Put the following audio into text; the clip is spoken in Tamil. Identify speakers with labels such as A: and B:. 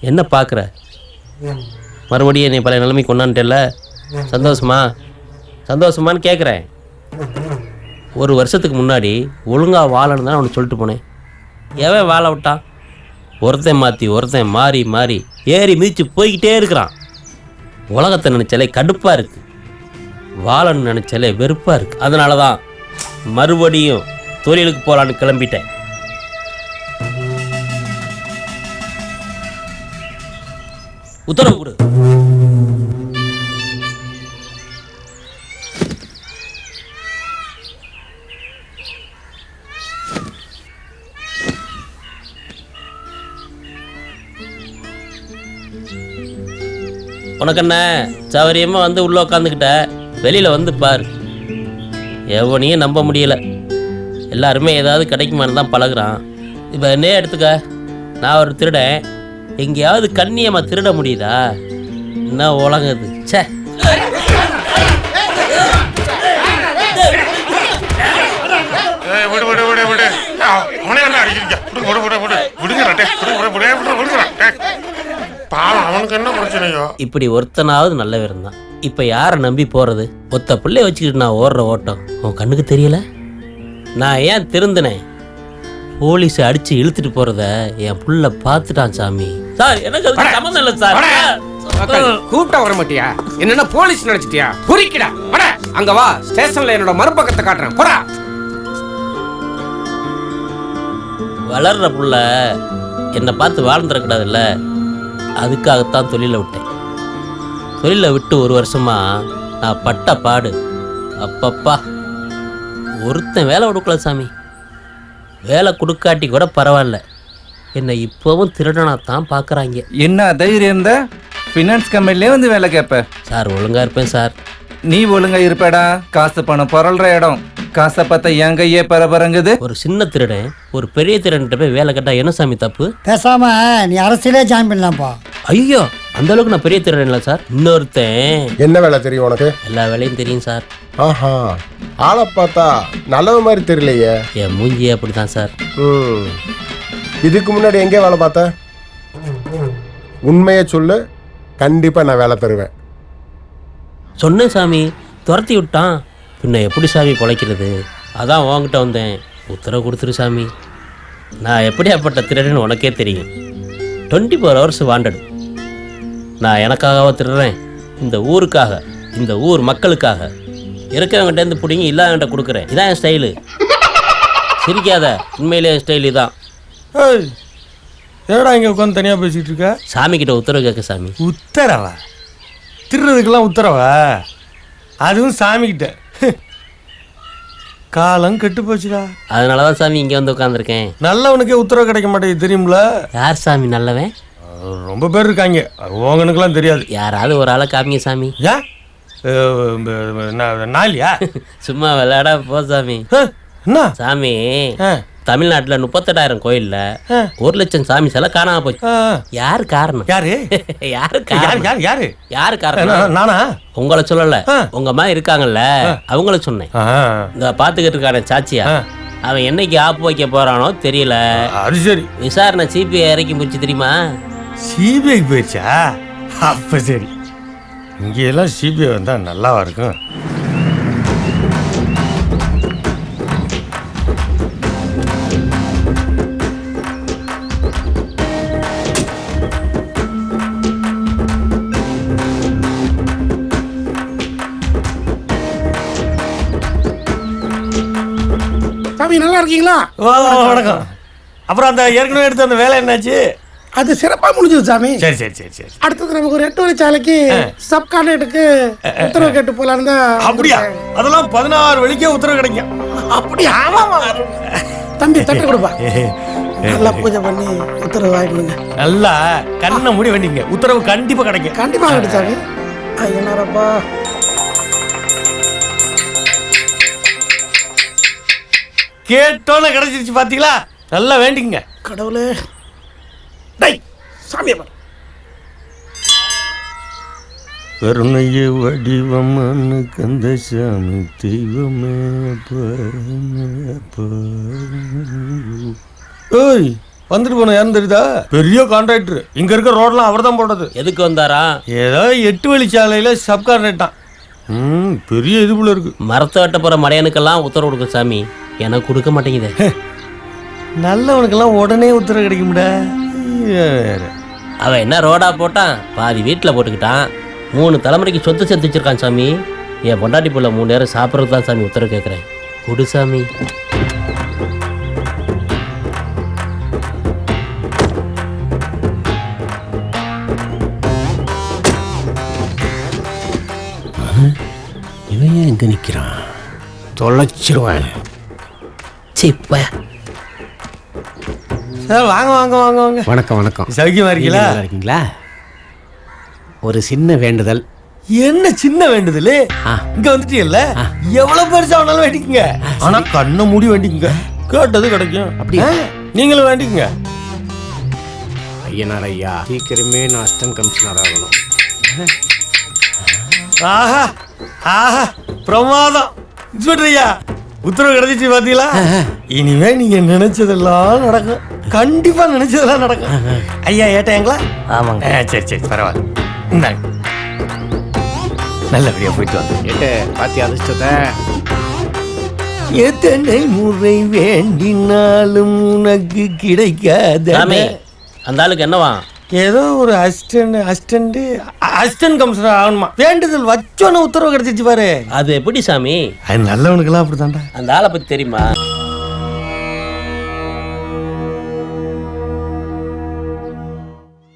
A: என்ன பார்க்குற? மறுபடியும் என்னை பழைய நிலைமை கொண்டான்ட்டேல்ல. சந்தோஷமான்னு கேட்குறேன். ஒரு வருஷத்துக்கு முன்னாடி ஒழுங்காக வாழன்னு தான் அவனுக்கு சொல்லிட்டு போனேன். எவன் வாழ விட்டான்? ஒருத்தன் மாற்றி ஒருத்தன் மாறி மாறி ஏறி மிதித்து போய்கிட்டே இருக்கிறான். உலகத்தை நினச்சாலே கடுப்பாக இருக்குது, வாழன்னு நினச்சாலே வெறுப்பாக இருக்குது. அதனால தான் மறுபடியும் தொழிலுக்கு போகலான்னு கிளம்பிட்டேன். உத்தரவு கொடு. உனக்கு என்ன சௌகரியமாக வந்து உள்ளே உட்காந்துக்கிட்ட, வெளியில் வந்து பார். எவனையும் நம்ப முடியலை. எல்லாருமே ஏதாவது கிடைக்குமான்னு தான் பழகுறான். இப்போ என்னே எடுத்துக்க, நான் ஒரு திருடன். எங்கேயாவது கண்ணியமாக திருட முடியுதா? என்ன உலங்குது சே.
B: அவனுக்கு என்ன பிரச்சனையோ?
A: இப்படி ஒருத்தனாவது நல்லவே இருந்தான். இப்ப யாரை நம்பி போறது? ஒத்த பிள்ளைய வச்சுக்கிட்டு நான் ஓடுற ஓட்டம் உன் கண்ணுக்கு தெரியல? நான் ஏன் திருந்தினேன்? போலீஸ் அடிச்சு இழுத்துட்டு போறத என் புள்ள பாத்துட்டான் சாமி. சார் எனக்கு அதுக்கு சம்மந்தம் இல்லை சார்.
C: கூப்பிட்டா வர மாட்டியா? என்னன்னா போலீஸ் நினைச்சிட்டியா? புரிக்கடா. அங்க வா, ஸ்டேஷன்ல என்னோட மறுபக்கத்தை காட்டுறேன். போடா.
A: வளர்ற புள்ள என்னை பார்த்து வாழ்ந்துடக்கூடாதுல்ல, அதுக்காகத்தான் தொழிலை விட்டேன். தொழிலை விட்டு ஒரு வருஷமா நான் பட்ட பாடு அப்பப்பா. ஒருத்தன் வேலை கொடுக்கல சாமி. வேலை கொடுக்காட்டி கூட பரவாயில்ல, என்னை இப்போவும் திருடனாத்தான் பார்க்குறாங்க.
D: என்ன தைரியம் இருந்தா ஃபினான்ஸ் கம்பெனிலே வந்து வேலை கேட்ப?
A: சார் ஒழுங்கா இருப்பேன் சார்.
D: நீ ஒழுங்கா இருப்படா. காசு பணம் பொருள்ற இடம். காசை பார்த்தா என் கையே பரபரங்குது.
A: ஒரு சின்ன திருடன் ஒரு பெரிய திருடன்ட்ட போய் வேலை கேட்டா என்ன சாமி தப்பு?
E: பேசாம நீ அரசியலே ஜாயின் பண்ணலாம்ப்பா.
A: ஐயோ, அந்த அளவுக்கு நான் பெரிய திருடன் இல்லை சார். இன்னொருத்தன்.
B: என்ன வேலை தெரியும் உனக்கு?
A: எல்லா வேலையும் தெரியும் சார்.
B: ஆஹா, ஆளை பார்த்தா நல்ல மாதிரி தெரியலையே.
A: என் மூஞ்சியே அப்படிதான் சார்.
B: இதுக்கு முன்னாடி எங்கே வேலை பார்த்த? உண்மையை சொல்லு, கண்டிப்பா நான் வேலை தருவேன்.
A: சொன்னேன் சாமி, துரத்தி விட்டான். பின்ன எப்படி சாமி பொழைக்கிறது? அதான் உங்ககிட்ட வந்தேன், உத்தரவு கொடுத்துரு சாமி. நான் எப்படியாப்பட்ட திருடன்னு உனக்கே தெரியும். 24 hours வாண்டடு. நான் எனக்காகவா திருடுறேன்? இந்த ஊருக்காக, இந்த ஊர் மக்களுக்காக. இருக்கிறவங்கிட்டேருந்து பிடிங்கி இல்லாதவங்கிட்ட கொடுக்குறேன். இதான் என் ஸ்டைலு. சிரிக்காத, உண்மையிலே என் ஸ்டைல் இதான்.
F: ஏடா இங்கே உட்காந்து தனியாக பேசிகிட்டு இருக்க?
A: சாமி கிட்ட உத்தரவு கேட்க சாமி.
F: உத்தரவா? திருடுறதுக்கெல்லாம் உத்தரவா? அதுவும் சாமிக்கிட்ட. காலம் கெட்டு போச்சுடா.
A: அதனால தான் சாமி இங்கே வந்து உட்காந்துருக்கேன்.
F: நல்லவனுக்கே உத்தரவு கிடைக்க மாட்டேங்குது தெரியுமில?
A: யார் சாமி நல்லவன்?
F: ரொம்ப பேர் இருக்காங்க, உங்களுக்கெல்லாம் தெரியாது.
A: யாராவது ஒரு ஆளை காமிங்க சாமி.
F: ஏன் நாளியா?
A: சும்மா விளையாட போ சாமி.
F: என்ன
A: சாமி, தமிழ்நாட்டில் 38,000 கோயில்ல 1 லட்சம் சாமி சிலை காணாம போச்சு. யாரு காரணம்? யாரு காரணம்?
F: நானா?
A: உங்களை சொல்லல, உங்க அம்மா இருக்காங்கல்ல அவங்கள சொன்னேன். இந்த பாத்துக்கிட்டு இருக்கான சாட்சியா, அவன் என்னைக்கு ஆப்பு வைக்க போறானோ தெரியல.
F: அது சரி.
A: விசாரணை சிபிஐ இறக்கி முடிச்சு தெரியுமா?
F: சிபிஐ போயிடுச்சா? அப்ப சரி. இங்கெல்லாம் சிபிஐ வந்தா நல்லாவா இருக்கும்?
G: சாமி நல்லா இருக்கீங்களா?
F: வணக்கம். அப்புறம் அந்த ஏற்கனவே எடுத்த அந்த வேலை என்னாச்சு?
G: அது சிறப்பா முடிஞ்சது சாமி.
F: சரி சரி சரி சரி.
G: அடுத்தது நமக்கு ஒரு 8 வழிச்சாலைக்கு சப் கான்ட்ராக்டுக்கு உத்தரவு கேட்டு போலான்னு தான்.
F: அப்படியா? அதெல்லாம் 16 வழிக்கே உத்தரவு கிடைக்கும்.
G: அப்படியா? தம்பி தட்டு கொடுப்பா. நல்லா பூஜை பண்ணி உத்தரவு வாங்கிடுங்க.
F: நல்லா கண்ணை மூடி வேண்டிங்க, உத்தரவு கண்டிப்பா கிடைக்கும்.
G: கண்டிப்பா கிடைச்சாங்க. ஐயனாரப்பா.
F: கேட்டோன்னு கிடைச்சிருச்சு பாத்தீங்களா? நல்லா வேண்டிங்க.
G: கடவுளே, டேய் சாமியை பாரு.
F: கருணைய வடிவமான கந்தசாமி தெய்வமே. ஓய், வந்துட்டு போன யாருன்னு தெரியுதா? பெரிய கான்ட்ராக்டர். இங்க இருக்க ரோட்லாம் அவர் தான் போட்டது.
A: எதுக்கு வந்தாரா?
F: ஏதோ 8 வழிச்சாலையில சப் கான்ட்ராக்டான். பெரிய இது போல இருக்கு.
A: மரத்தை வெட்ட போகிற மடையனுக்கெல்லாம் உத்தரவு கொடுக்க சாமி, எனக்கு கொடுக்க மாட்டேங்குதே.
F: நல்லவனுக்கெல்லாம் உடனே உத்தரவு கிடைக்கும்டா.
A: அவன் என்ன ரோடா போட்டான், பாதி வீட்டில் போட்டுக்கிட்டான். 3 தலைமுறைக்கு சொத்து சேர்த்து வச்சிருக்கான் சாமி. என் பொண்டாட்டி புள்ள 3 நேரம் சாப்பிட்றது தான் சாமி உத்தரவு கேட்குறேன். கொடு சாமி.
C: இவன் ஏன் எங்க நிக்கிறான்? தொலைச்சிருவேன்.
A: சிப்ப
F: சார் வாங்க வாங்க வாங்க வாங்க.
C: வணக்கம் வணக்கம்.
F: சௌக்கியமா இருக்கீங்களா?
C: நல்லா இருக்கீங்களா? ஒரு சின்ன வேண்டுதல்.
F: என்ன சின்ன வேண்டுதல்? இங்க வந்துட்டீங்கல்ல, எவ்வளவு பெருசா வேணாலும் வேண்டிக்குங்க. ஆனா கண்ணை மூடி வேண்டிக்குங்க, கேட்டது கிடைக்கும்.
C: அப்படியா?
F: நீங்களும் வேண்டிக்குங்க.
C: ஐயனார் ஐயா, சீக்கிரமே நான் அசிஸ்டன்ட் கமிஷனர் ஆகணும்.
F: ஆஹா ஆஹா, பிரமாதம். இன்ஸ்பெக்டர் ஐயா, உத்தரவு கிடைச்சிச்சு பாத்தீங்களா? இனிமே நீங்க நினைச்சதெல்லாம் நடக்கும். கண்டிப்பா நினைச்சதெல்லாம் நடக்கும். ஐயா ஏட்டாங்களா?
A: ஆமாங்க.
F: சரி சரி, பரவாயில்ல. இந்தாங்க, நல்லபடியா போயிட்டு வாங்க.
C: ஏட்டு பாத்தி அதிர்ஷ்டத்தை.
F: எத்தனை முறை வேண்டினாலும் உனக்கு கிடைக்காத.
A: சாமி, அந்த ஆளுக்கு என்னவா?
F: ஏதோ ஒரு அசிஸ்டன்ட் கமிஷனர் ஆகணுமா? வேண்டுதல் வச்சோன்னு உத்தரவு கிடைச்சிச்சு பாரு.
A: அது எப்படி சாமி?
F: அது நல்லவனுக்கெல்லாம் அப்படித்தான்டா.
A: அந்த ஆளை பற்றி தெரியுமா?